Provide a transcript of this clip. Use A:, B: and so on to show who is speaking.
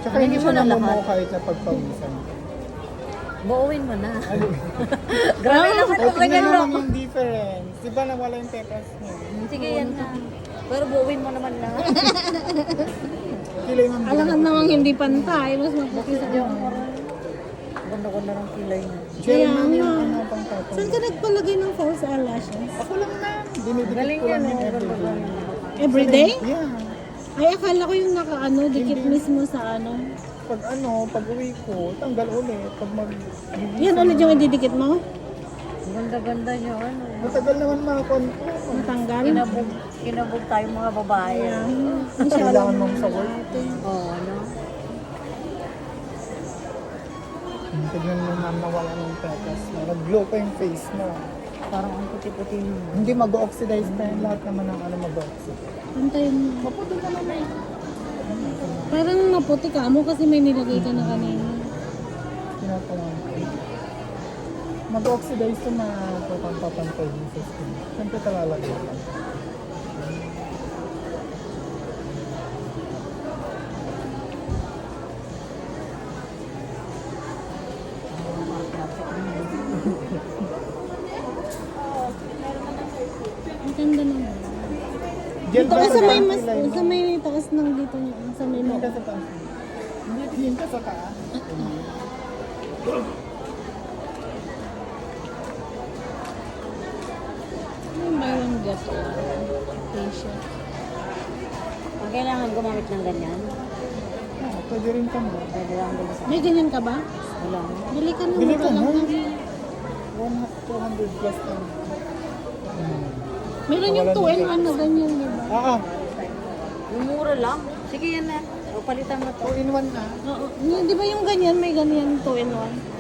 A: Tsaka
B: Ano
A: hindi
B: mo
A: siya
B: na lahat?
A: namumuo kahit na pagpawisan.
B: Buuin mo na. Grabe naman
A: Ay,
B: ang ganyan
A: tingnan
B: lang.
A: naman yung difference. Di ba nawala yung peppers niya?
B: Sige, yan na. Pero buuin mo naman na.
A: Kilay ma'am.
C: Alangan namang hindi pantay. Mas maputi sa
B: Diyan mo rin. Ganda-ganda ng kilay niya.
A: Jerry
C: Kaya
A: ma'am yung
C: nga.
A: ano pang tapos.
C: Saan ka nagpalagay ng false eyelashes?
A: Ako lang ma'am. Dinidikit
B: Galing
A: ko
B: yan,
A: lang yung
B: oh.
A: everyday.
C: Everyday?
A: Yeah.
C: Ay, akala ko yung naka-ano, dikit mismo sa ano.
A: Pag uwi ko, tanggal ulit. Pag
C: Yan ulit yung ididikit mo?
B: Ganda-ganda niya. Ano.
A: matagal naman mga konto.
C: Matanggal?
B: Kinabog tayo mga babae.
A: Kailangan mong sa work.
B: Oo, ano?
A: Tignan mo ma'am nawala ng peppers mo. Nag-glow pa yung face mo.
B: Parang ang puti-puti mo.
A: Hindi mag-oxidize pa yung lahat naman ng ano mag-oxidize.
C: Pantayin mo.
A: Maputo ka naman.
C: Parang maputi ka mo kasi may nilagay ka na kanina.
A: Tinatawag ko. Mag-oxidize to na papantay mo sa skin. Siyempre talalagay lang.
C: Ang ganda naman.
A: Gel
C: Dito
A: ba
C: ka sa may
A: ang
C: mas,
A: kilay mo?
C: sa may taas ng dito niya. Sa may
A: Hindi
C: mga.
A: ka sa taas. Hindi, tingin ka sa taas.
C: Yung buy one get one. Facial.
B: Ang kailangan gumamit ng ganyan.
A: Oo, pwede rin ka mo.
B: Pwede lang din sa
C: May ganyan ka ba?
B: wala.
C: Bili ka na.
A: Bili ka
C: lang
A: na.
C: ng-
A: 200 plus na.
C: Meron yung 2 and 1 na ganyan, di ba?
A: Oo,
B: Yung mura lang. Sige yan na. O palitan mo to.
A: 2 in 1 na.
C: Oo. Di ba yung ganyan, may ganyan 2 and 1?